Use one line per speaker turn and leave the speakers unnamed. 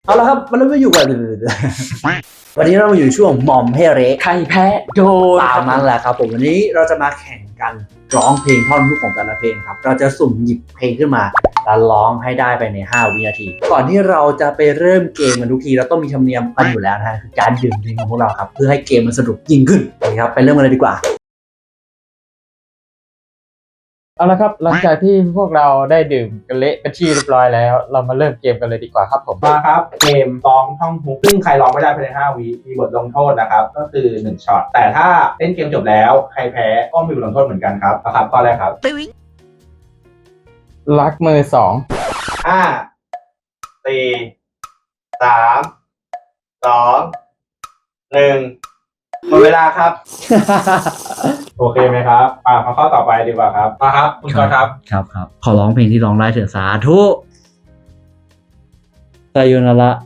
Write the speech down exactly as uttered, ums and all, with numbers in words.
เอาละครับมันเริ่มไม่อยู่กันวันนี้เรามาอยู่ช่วงหม่อมให้เละ
ใครแพ้โดน
ตามนั้นแหละครับผมวันนี้เราจะมาแข่งกันร้องเพลงท่อนฮุกของแต่ละเพลงครับเราจะสุ่มหยิบเพลงขึ้นมาแล้วร้องให้ได้ไปในห้าวินาทีก่อนที่เราจะไปเริ่มเกมกันทุกทีเราต้องมีธรรมเนียมกันอยู่แล้วนะฮะคือการดื่มดื่มของพวกเราครับเพื่อให้เกมมันสนุกยิ่งขึ้นนะครับไปเริ่มกันเลยดีกว่า
เอาละครับหลังจากที่พวกเราได้ดื่มกันเละเป็นที่เรียบร้อยแล้ว เรามาเริ่มเกมกันเลยดีกว่าครับผม
มาครับเกมร้องท่องฮุกซึ่งใครร้องไม่ได้ภายในห้าวิมีบทลงโทษนะครับก็คือหนึ่งช็อตแต่ถ้าเล่นเกมจบแล้วใครแพ้ก็มีบทลงโทษเหมือนกันครับนะครับข้อแรกครับ
รักมือสอง
ห้าสี่สามสองหนึ่งหมดเวลาครับ โอเคไหมครับอ่ามาข้อต่อไปดีกว่าครับมาครับคุณกอล์ฟครับ
ครับครับขอร้องเพลงที่ร้องได้เถอะสาธุไซโยนาระ